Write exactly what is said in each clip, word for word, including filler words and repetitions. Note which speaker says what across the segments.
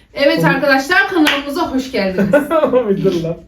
Speaker 1: Evet arkadaşlar, kanalımıza hoş geldiniz.
Speaker 2: Bildir lan.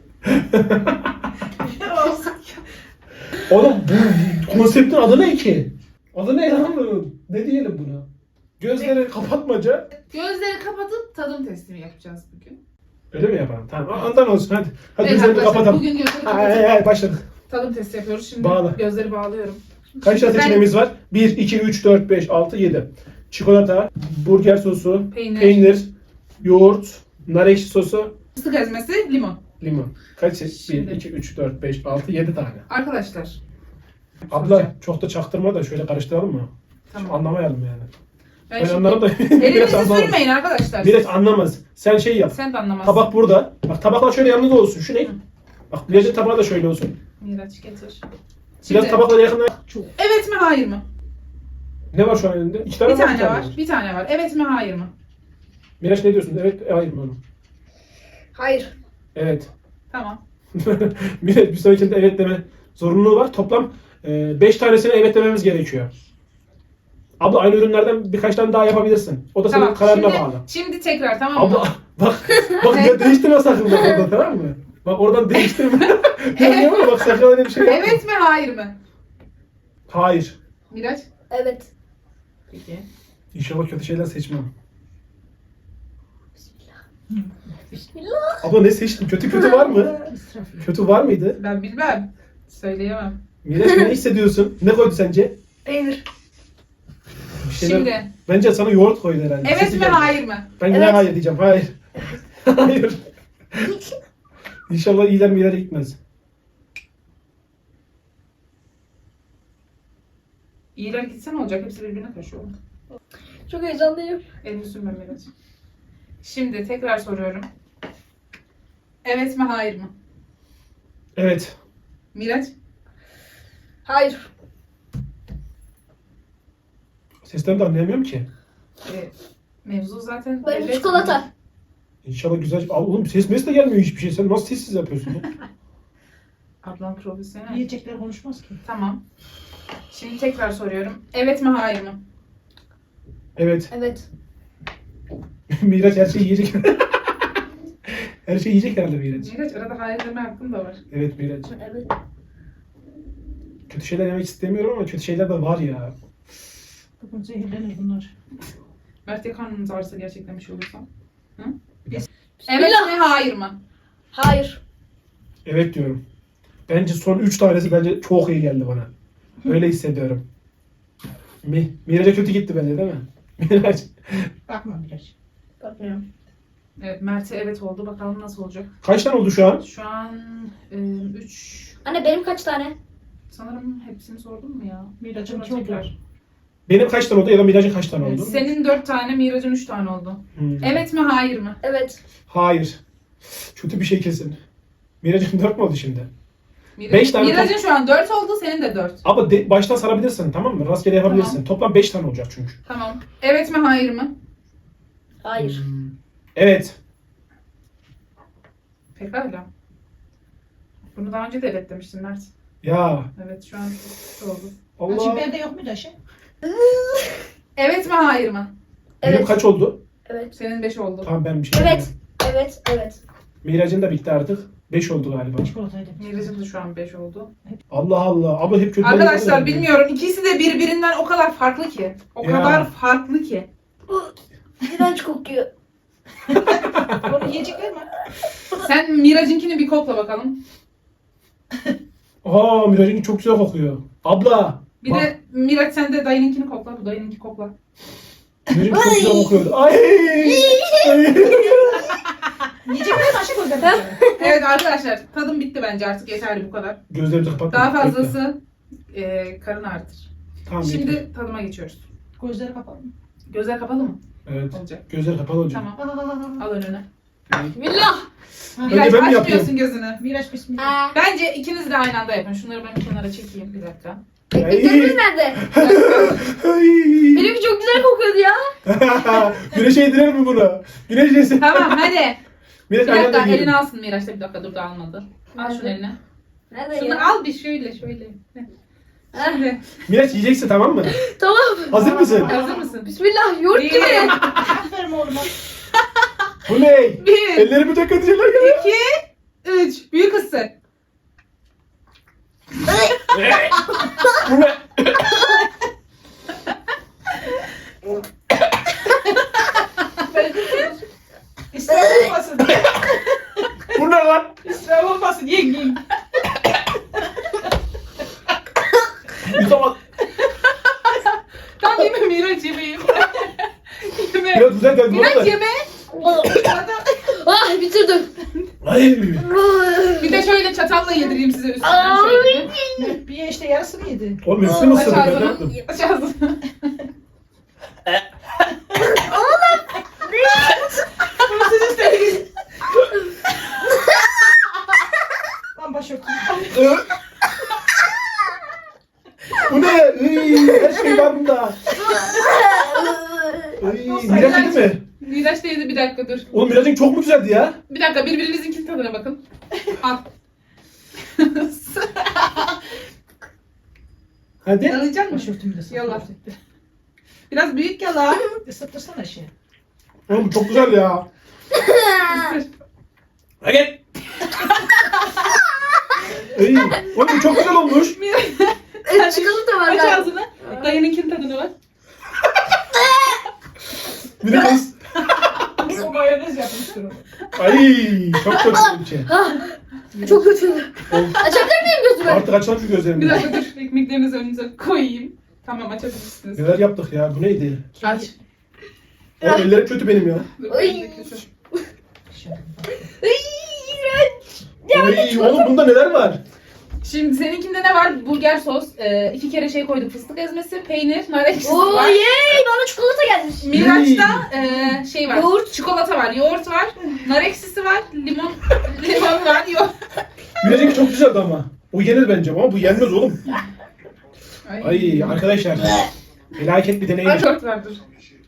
Speaker 2: Oğlum bu konseptin adı ne ki? Adı ne lan bunun? Ne diyelim buna? Gözleri kapatmaca.
Speaker 1: Gözleri kapatıp tadım testimi yapacağız bugün.
Speaker 2: Öyle mi yapalım? Tamam. Andan olsun hadi. Hadi
Speaker 1: Evet
Speaker 2: gözlerini
Speaker 1: arkadaşlar,
Speaker 2: kapatalım.
Speaker 1: bugün gözleri
Speaker 2: Hay
Speaker 1: kapatıp
Speaker 2: hay başladık.
Speaker 1: tadım testi yapıyoruz. Şimdi
Speaker 2: Bağla.
Speaker 1: gözleri bağlıyorum.
Speaker 2: Kaç tane
Speaker 1: Şimdi ben-
Speaker 2: seçeneğimiz var? bir, iki, üç, dört, beş, altı, yedi. Çikolata, burger sosu,
Speaker 1: Peynir.
Speaker 2: peynir, yoğurt, nar ekşi sosu,
Speaker 1: Fıstık ezmesi, limon.
Speaker 2: limon. Kaç seç? bir,
Speaker 1: Şimdi.
Speaker 2: iki, üç, dört, beş, altı, yedi tane.
Speaker 1: Arkadaşlar.
Speaker 2: Abla
Speaker 1: soracağım.
Speaker 2: çok da çaktırma da şöyle karıştıralım mı?
Speaker 1: Tamam.
Speaker 2: Anlamayalım yani.
Speaker 1: Ben
Speaker 2: Ben
Speaker 1: şimdi-
Speaker 2: anlarım da
Speaker 1: Elinizi
Speaker 2: anlamaz.
Speaker 1: sürmeyin arkadaşlar.
Speaker 2: Millet anlamaz. Sen şey yap.
Speaker 1: Sen de anlamazsın.
Speaker 2: Tabak burada. Bak tabaklar şöyle yanında olsun. Şu ne? Bak Miraç'ın tabağı da şöyle olsun.
Speaker 1: Miraç getir.
Speaker 2: Biraz
Speaker 1: Şimdi-
Speaker 2: tabaklara yakın.
Speaker 1: Evet mi hayır mı?
Speaker 2: Ne var şu an elinde? İki tane
Speaker 1: Bir
Speaker 2: var.
Speaker 1: tane var. Bir tane var. Evet mi hayır mı?
Speaker 2: Miraç ne diyorsun? Evet, e, hayır mı oğlum?
Speaker 3: Hayır.
Speaker 2: Evet.
Speaker 1: Tamam.
Speaker 2: Miraç bir sonrakinde evet deme zorunluluğu var. Toplam beş tanesine evet dememiz gerekiyor. Abla aynı ürünlerden birkaç tane daha yapabilirsin. O da senin
Speaker 1: Tamam.
Speaker 2: kararına
Speaker 1: Şimdi,
Speaker 2: bağlı.
Speaker 1: şimdi tekrar tamam mı?
Speaker 2: Abla bak bak ya değiştirme sakın bak orada tamam mı? Bak oradan değiştirme. Ya bak sakın öyle bir şey yapma.
Speaker 1: Evet mi hayır mı?
Speaker 2: Hayır.
Speaker 1: Miraç?
Speaker 3: Evet.
Speaker 1: Peki.
Speaker 2: İnşallah kötü şeyler seçmem.
Speaker 3: Bismillah.
Speaker 2: Abla ne seçtin? Kötü kötü var mı? Kötü var mıydı?
Speaker 1: Ben bilmem. Söyleyemem.
Speaker 2: Miraç ne hissediyorsun? Ne koydu sence?
Speaker 3: Peynir.
Speaker 2: Bir şeyler...
Speaker 1: Şimdi.
Speaker 2: Bence sana yoğurt koydu herhalde.
Speaker 1: Evet
Speaker 2: Sesi
Speaker 1: mi
Speaker 2: geldi.
Speaker 1: hayır mı?
Speaker 2: Ben yine
Speaker 3: Evet.
Speaker 2: hayır diyeceğim. Hayır. Hayır. İnşallah iyiler mi ileri gitmez.
Speaker 1: İyiler gitse ne olacak? Hepsi birbirine karışıyor.
Speaker 3: Çok heyecanlıyım.
Speaker 1: Elini sürmem Miraç. Şimdi tekrar soruyorum. Evet mi hayır mı?
Speaker 2: Evet.
Speaker 1: Miraç?
Speaker 3: Hayır.
Speaker 2: Sesten de anlayamıyorum ki.
Speaker 1: E, mevzu zaten...
Speaker 3: Benim
Speaker 1: evet
Speaker 3: çikolata.
Speaker 1: mi?
Speaker 2: İnşallah güzel. Aa, oğlum ses mes de gelmiyor hiçbir şey. Sen nasıl sessiz yapıyorsun ya?
Speaker 1: Ablam profesyonel.
Speaker 4: Yiyecekler konuşmaz ki.
Speaker 1: Tamam. Şimdi tekrar soruyorum. Evet mi hayır mı?
Speaker 2: Evet.
Speaker 3: Evet.
Speaker 2: Miraç her şeyi yiyecek. Her şeyi yiyecek herhalde Miraç.
Speaker 1: Miraç arada hayır deme hakkım da var.
Speaker 2: Evet Miraç.
Speaker 3: Evet.
Speaker 2: Kötü şeyler yemek istemiyorum ama kötü şeyler de var ya.
Speaker 4: Bugün zehirlenir bunlar.
Speaker 1: Mert ya karnınız ağrısı gerçekten bir şey olursa? Hı?
Speaker 2: Biraz.
Speaker 1: Evet mi hayır mı?
Speaker 3: Hayır.
Speaker 2: Evet diyorum. Bence son üç tanesi bence çok iyi geldi bana. Öyle hissediyorum. Mi Miraç'a kötü gitti bence değil mi? Miraç.
Speaker 4: Bakma biraz.
Speaker 3: Bakmıyorum.
Speaker 1: Evet Mert'e evet oldu. Bakalım nasıl olacak.
Speaker 2: Kaç tane oldu şu an?
Speaker 1: Şu an üç
Speaker 3: Anne benim kaç tane?
Speaker 1: sanırım hepsini sordum mu ya?
Speaker 4: Miracım
Speaker 1: Acaba
Speaker 4: çok
Speaker 1: tekrar.
Speaker 4: var.
Speaker 2: Benim kaç tane oldu ya da Miraç'ın kaç tane oldu?
Speaker 1: Senin dört tane, Miraç'ın üç tane oldu.
Speaker 2: Hmm.
Speaker 1: Evet mi hayır mı?
Speaker 3: Evet.
Speaker 2: Hayır. Kötü bir şey kesin. Miraç'ın dört mü oldu şimdi?
Speaker 1: Miraç,
Speaker 2: Beş tane
Speaker 1: Miraç'ın şu an dört oldu, senin de dört.
Speaker 2: Ama de, baştan sarabilirsin tamam mı? Rastgele yapabilirsin.
Speaker 1: Tamam.
Speaker 2: Toplam beş tane olacak çünkü.
Speaker 1: Tamam. Evet mi hayır mı?
Speaker 3: Hayır.
Speaker 2: Hmm. Evet.
Speaker 1: Pekala. Bunu daha önce de evet demiştin Mert.
Speaker 2: Ya.
Speaker 1: Evet şu an çok oldu.
Speaker 4: Acı
Speaker 2: Allah.
Speaker 4: bende yok mu da şey?
Speaker 1: Evet mi hayır mı?
Speaker 2: Benim
Speaker 3: Evet.
Speaker 2: kaç oldu?
Speaker 3: Evet.
Speaker 1: Senin beş oldu.
Speaker 2: Tamam ben bir şey
Speaker 3: Evet.
Speaker 2: yapayım.
Speaker 3: Evet. Evet.
Speaker 2: Miraç'ın da bitti artık. beş oldu galiba.
Speaker 4: Çikolataydı.
Speaker 1: Miraç'ın da şu an beş oldu.
Speaker 2: Allah Allah. Ama hep kötü.
Speaker 1: Arkadaşlar bilmiyorum. İkisi de birbirinden o kadar farklı ki. O
Speaker 2: Ya.
Speaker 1: kadar farklı ki.
Speaker 3: Bu iğrenç kokuyor.
Speaker 4: Onu yiyecekler mi?
Speaker 1: Sen Miraç'ınkini bir kokla bakalım.
Speaker 2: Aa Miraç'ın çok güzel kokuyor. Abla.
Speaker 1: Bir
Speaker 2: bak,
Speaker 1: de Miraç sen de dayınınkini kokla. Bu dayınınki kokla.
Speaker 2: Miraç'ın çok güzel kokuyordu. Ay. Ay.
Speaker 4: Yiyecekler mi? Aşık gözler mi?
Speaker 1: Evet arkadaşlar tadım bitti bence artık yeterli bu kadar.
Speaker 2: Gözlerimizi kapat.
Speaker 1: Daha
Speaker 2: Bekle.
Speaker 1: fazlası e, karın ağrıtır.
Speaker 2: Tamam,
Speaker 1: Şimdi
Speaker 2: bekle.
Speaker 1: tadıma geçiyoruz.
Speaker 4: Gözleri kapalı mı?
Speaker 1: Gözler kapalı mı?
Speaker 2: Evet.
Speaker 1: Olacak.
Speaker 2: Gözler kapalı olacak.
Speaker 1: Tamam. Al önüne.
Speaker 3: Bismillah.
Speaker 2: Önce
Speaker 1: Miraç
Speaker 2: ben mi
Speaker 1: açmıyorsun
Speaker 2: yapayım?
Speaker 1: gözünü.
Speaker 4: Miraç bismillah.
Speaker 3: Aa.
Speaker 1: Bence ikiniz de aynı anda yapın. Şunları ben bir kenara çekeyim bir dakika.
Speaker 3: Ekmeklerimiz nerede?
Speaker 2: Ay.
Speaker 3: Benimki çok güzel kokuyordu ya.
Speaker 2: Güneş yedirir mi bunu? Güneş yesin.
Speaker 1: Tamam hadi.
Speaker 2: Miraç
Speaker 1: Bir
Speaker 2: aynı
Speaker 1: dakika
Speaker 2: anda yiyelim.
Speaker 1: elini alsın Miraç da bir dakika dur da almadı. Al şunu eline.
Speaker 3: Nerede
Speaker 1: Şunu
Speaker 3: ya?
Speaker 1: al bir şöyle şöyle. Şimdi
Speaker 2: Miraç yiyeceksin tamam mı?
Speaker 3: Tamam.
Speaker 2: Hazır mısın?
Speaker 1: hazır mısın?
Speaker 3: Bismillah. Yoğurt
Speaker 1: Bir.
Speaker 3: gibi.
Speaker 4: Aferin oğluma.
Speaker 2: Bu ne?
Speaker 1: Bir,
Speaker 2: Ellerimi de kötü şeyler geliyor.
Speaker 1: iki, üç. Büyük ısır.
Speaker 2: Bu ne?
Speaker 4: İsraf olmasın.
Speaker 2: Bu ne lan?
Speaker 4: İsraf olmasın. Yiyin yiyin.
Speaker 2: Yutamadım.
Speaker 1: Tamam yeme Miraç yemeğim. Yeme.
Speaker 2: Biraz güzel geldi.
Speaker 1: Miraç
Speaker 2: Miraç
Speaker 1: yeme.
Speaker 3: Ah bitirdim.
Speaker 2: Ay.
Speaker 1: Bir de şöyle çatalla yedireyim size üstüne.
Speaker 3: Ay.
Speaker 1: Şöyle.
Speaker 4: Bir işte yarısını yedi.
Speaker 2: Oğlum hepsini mi
Speaker 1: Aç
Speaker 2: ısırdın? Ben ne
Speaker 1: ağzını.
Speaker 2: yaptım?
Speaker 1: Aç ağzını.
Speaker 4: Bunu siz istediniz. Lan başörtüm.
Speaker 2: Bu ne? Iy, her şey var bunda. Iy, Miraç yedi mi?
Speaker 1: Miraç da yedi, bir dakika dur.
Speaker 2: Oğlum Miraç'ın çok mu güzeldi ya?
Speaker 1: Bir dakika birbirinizinkinin tadına bakın. Al.
Speaker 2: Hadi.
Speaker 1: Yalayacak mısın?
Speaker 4: Başörtümü de
Speaker 1: Yallah.
Speaker 4: satıyor.
Speaker 1: Biraz büyük yala.
Speaker 4: Isıtırsana şey.
Speaker 2: Oğlum çok güzel ya. Hadi. Iy, oğlum çok güzel olmuş.
Speaker 3: Evet, çikolata var
Speaker 1: Aç
Speaker 3: galiba.
Speaker 1: ağzını. Dayınınkinin tadına bak.
Speaker 2: Miraç.
Speaker 4: O mayonez yapmıştır onu.
Speaker 2: Ay çok kötü bir şey.
Speaker 3: Ah, çok kötü.
Speaker 2: Oğlum,
Speaker 3: Açabilir miyim gözümü?
Speaker 2: artık açalım şu
Speaker 1: Bir
Speaker 2: gözlerimi.
Speaker 1: dakika dur. Ekmeklerinizi önünüze koyayım. Tamam açabilirsiniz.
Speaker 2: Neler yaptık ya? Bu neydi?
Speaker 1: Aç.
Speaker 2: Oğlum ellerim kötü benim ya.
Speaker 1: Dur,
Speaker 3: Ay.
Speaker 1: elini kötü.
Speaker 3: Ay, iğrenç.
Speaker 2: Ay, oğlum bunda neler var?
Speaker 1: Şimdi seninkinde ne var? Burger sos, e, iki kere şey koyduk, fıstık ezmesi, peynir, nar ekşisi
Speaker 3: Oo
Speaker 1: var.
Speaker 3: yey, bana çikolata gelmiş.
Speaker 1: Miraç'ta e, şey var,
Speaker 3: Yoğurt.
Speaker 1: çikolata var, yoğurt var, nar ekşisi var, limon limon var, yoğurt.
Speaker 2: Miraç'ınki çok güzeldi ama. O yenir bence ama bu yenmez oğlum. Ay arkadaşlar. Felaket bir deneyim.
Speaker 1: Ay yoğurt var dur.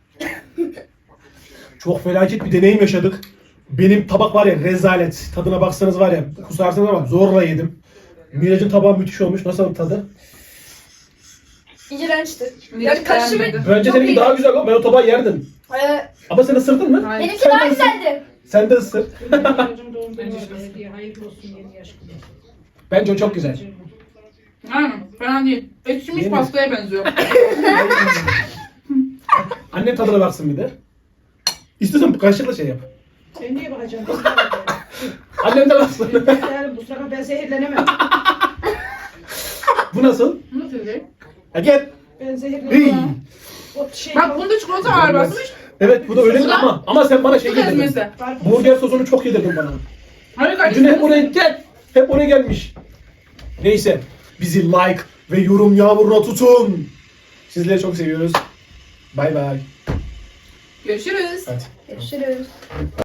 Speaker 2: Çok felaket bir deneyim yaşadık. Benim tabak var ya rezalet. Tadına baksanız var ya kusarsınız ama zorla yedim. Miraç'ın tabağı müthiş olmuş. Nasıl tadı?
Speaker 3: İğrençti.
Speaker 1: Miraç
Speaker 3: Yani karışımı-
Speaker 1: beğenmedi.
Speaker 2: Bence
Speaker 3: Çok
Speaker 2: seninki
Speaker 3: iyi.
Speaker 2: daha güzel o. Ben o tabağı yerdim.
Speaker 3: Ee,
Speaker 2: Ama sen ısırdın mı?
Speaker 1: Hayır.
Speaker 3: benimki daha güzeldi.
Speaker 2: Sen de ısır.
Speaker 4: Çocuğum doğum günü var. Hediye hayırlı olsun yeni yaş günü.
Speaker 2: Bence o çok güzel.
Speaker 1: Aynen, fena değil. Ekşimiş
Speaker 2: Yeni.
Speaker 1: pastaya benziyor.
Speaker 2: Annem tadına baksın bir de. İstiyorsan kaşıkla şey yap.
Speaker 4: Sen niye bakacaksın? Biz de bakıyoruz.
Speaker 2: Annem de baksın.
Speaker 4: Yani bu sefer ben zehirlenemem.
Speaker 2: Bu nasıl?
Speaker 1: Nasıl değil?
Speaker 2: Ha gel.
Speaker 4: Ben
Speaker 2: Iy.
Speaker 4: zehirlenemem. O şey
Speaker 1: Bak bunda çikolata ağır basmış.
Speaker 2: Evet bu da öyle ama ama sen bana şey
Speaker 1: Fıstık
Speaker 2: yedirdin.
Speaker 1: ezmesi.
Speaker 2: Burger sosunu çok yedirdin bana.
Speaker 1: Hayır
Speaker 2: Dün hep
Speaker 1: kardeşim.
Speaker 2: oraya gel. Hep oraya gelmiş. Neyse. Bizi like ve yorum yağmuruna tutun. Sizleri çok seviyoruz. Bay bay.
Speaker 1: Görüşürüz.
Speaker 2: Hadi.
Speaker 3: Görüşürüz.